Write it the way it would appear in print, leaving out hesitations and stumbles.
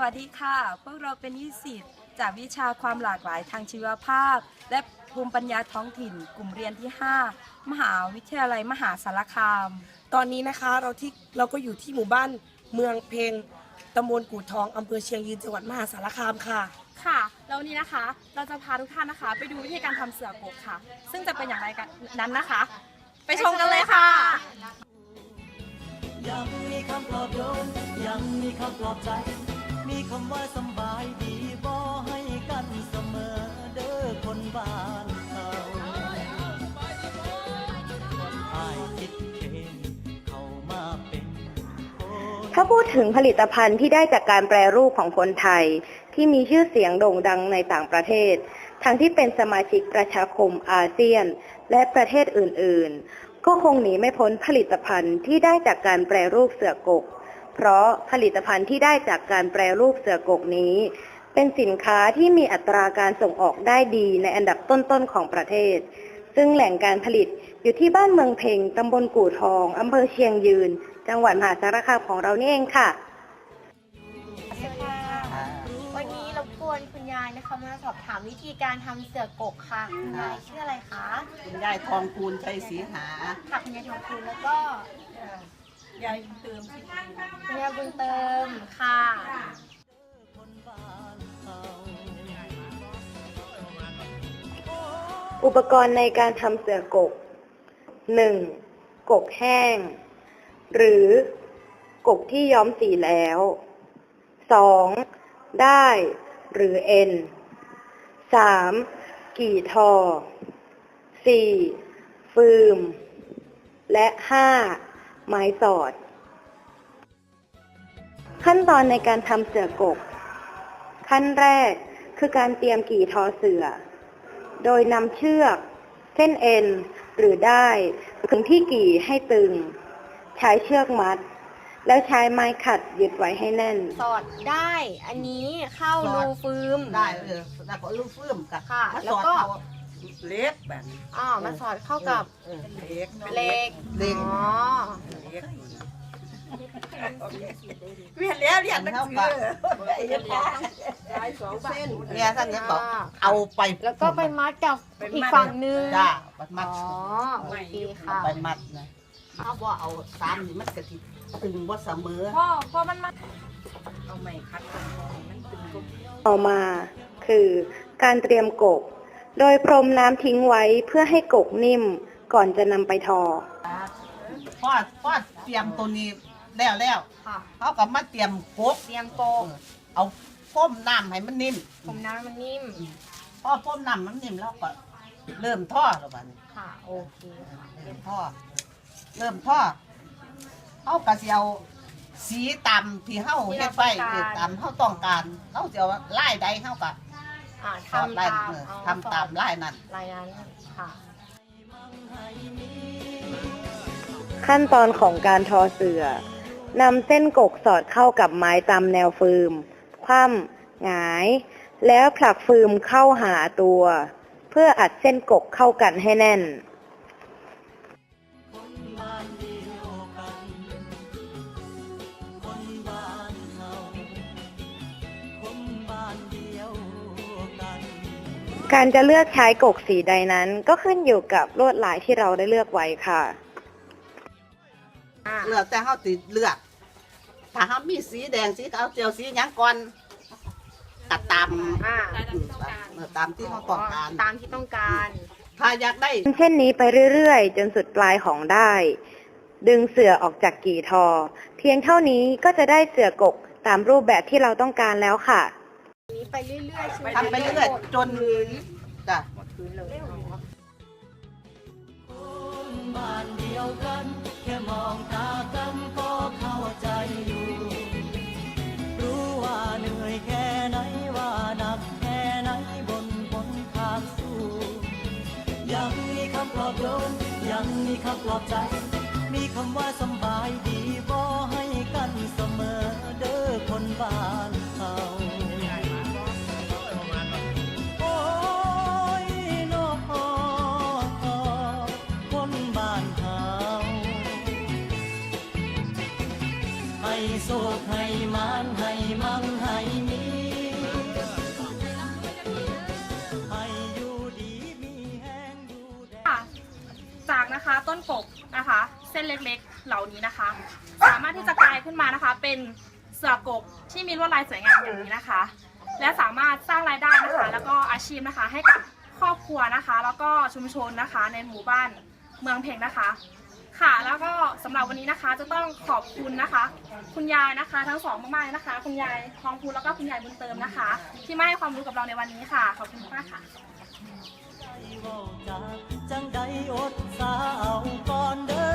วัสดีค่ะพวกเราเป็นนิสิตจากวิชาความหลากหลายทางชีวภาพและภูมิปัญญาท้องถิ่นกลุ่มเรียนที่ 5 มหาวิทยาลัยมหาสารคามตอนนี้นะคะเราก็อยู่ที่หมู่บ้านเมืองเพงตำบลกู่ทองอำเภอเชียงยืนจังหวัดมหาสารคามค่ะค่ะแล้ววันนี้นะคะเราจะพาทุกท่านนะคะไปดูวิธีการทำเสือกกค่ะซึ่งจะเป็นอย่างไรกันนั้นนะคะ ไปชมกันเลยค่ะยังมีคำปลอบโยนยังมีคำปลอบใจมีคำว่าสบายดีบ่ให้กันเสมอเด้อคนบ้านเขาอ้ายคิดเองเข้ามาเป็นถ้าพูดถึงผลิตภัณฑ์ที่ได้จากการแปรรูปของคนไทยที่มีชื่อเสียงโด่งดังในต่างประเทศทั้งที่เป็นสมาชิกประชาคมอาเซียนและประเทศอื่นๆก็คงหนีไม่พ้นผลิตภัณฑ์ที่ได้จากการแปรรูปเสือกกเพราะผลิตภัณฑ์ที่ได้จากการแปรรูปเสือกกนี้เป็นสินค้าที่มีอัตราการส่งออกได้ดีในอันดับต้นๆของประเทศซึ่งแหล่งการผลิตอยู่ที่บ้านเมืองเพ็งตำบลกู่ทองอำเภอเชียงยืนจังหวัดมหาสารคามของเรานี่เองค่ะวันนี้รบกวนคุณยายนะคะมาสอบถามวิธีการทำเสือกกค่ะคุณยายชื่ออะไรคะคุณยายทองคูณชัยศรีหาค่ะคุณยายทองคูณแล้วก็ยายเติมคุณยายบุญเติมค่ะอุปกรณ์ในการทำเสือกก 1. กกแห้งหรือกกที่ย้อมสีแล้ว 2. ด้ายหรือเอ็น 3. กี่ทอ 4. ฟืมและ 5. ไม้สอดขั้นตอนในการทำเสือกกขั้นแรกคือการเตรียมกี่ทอเสือโดยนำเชือกเส้นเอ็นหรือด้ายถึงที่กี่ให้ตึงใช้เชือกมัดแล้วใช้ไม้ขัดยึดไว้ให้แน่นสอดได้อันนี้เข้ารูฟืมได้แล้วก็รูฟืมกับค่ะแล้วก็เล็กแบบมาสอดเข้ากับเหล็กอ๋อเรียนแล้วเรียนหนังสือเส้นเนี่ยท่านนี้บอกเอาไปแล้วก็ไปมัดกับอีกฝั่งนึงจ้ามัดอ๋อโอเคค่ะไปมัดนะถ้าว่าเอาซ้ำนี่มันกระติตึงว่าเสมอพอมันมาเอาไม้คัดมันตึงต่อมาคือการเตรียมกกโดยพรมน้ำทิ้งไว้เพื่อให้กกนิ่มก่อนจะนำไปทอพอเตรียมตัวนี้แล้วเขาก็มาเตรียมกกเอาพ่มน้ำให้มันนิ่มพ่มน้ำมันนิ่มพอพ่มน้ำมันนิ่มแล้วก็เริ่มทอดแล้วบ้านี้ค่ะโอเคเริ่มทอดเขาก็จะเอาสีตามที่เขาเฮ็ดไปตามเขาต้องการเขาจะไล่ใดเขาก็ทำตามไล่นั้นค่ะขั้นตอนของการทอเสือนำเส้นกกสอดเข้ากับไม้ตามแนวฟืมคว่ำหงายแล้วผลักฟืมเข้าหาตัวเพื่ออัดเส้นกกเข้ากันให้แน่นการจะเลือกใช้กกสีใดนั้นก็ขึ้นอยู่กับลวดลายที่เราได้เลือกไว้ค่ะเลือกแต่เขาติดเลือกถ้าเขามีสีแดงสีขาวเจียวสีหยังก่อนตัดตามที่เขาต้องการถ้าอยากได้เช่นนี้ไปเรื่อยๆจนสุดปลายของได้ดึงเสือออกจากกี่ทอเพียงเท่านี้ก็จะได้เสือกกตามรูปแบบที่เราต้องการแล้วค่ะนี้ไปเรื่อยๆทำไปเรื่อยจนจ้ะหมดพื้นเลยบ้านเดียวกันแค่มองตากันก็เข้าใจอยู่รู้ว่าเหนื่อยแค่ไหนว่าหนักแค่ไหนบนทางสู้ยังมีคำปลอบโยนยังมีคำปลอบใจมีคำว่าสบายดีบ่ให้กันเสมอเด้อคนบ้านเขาให้โศกให้มานให้มั่งให้เล็กๆ เหล่านี้นะคะ สามารถที่จะกลายขึ้นมานะคะ เป็นเสือกกที่มีลวดลายสวยงามอย่างนี้นะคะ และสามารถสร้างรายได้นะคะแล้วก็อาชีพนะคะให้กับครอบครัวนะคะแล้วก็ชุมชนนะคะในหมู่บ้านเมืองเพ็งนะคะค่ะแล้วก็สำหรับวันนี้นะคะจะต้องขอบคุณนะคะ คุณยายนะคะทั้งสองมากๆเลยนะคะ คุณยายทองพูนแล้วก็คุณยายบุญเติมนะคะ ที่มาให้ความรู้กับเราในวันนี้ค่ะขอบคุณมากค่ะจังใดอดสาวก่อนเด้อ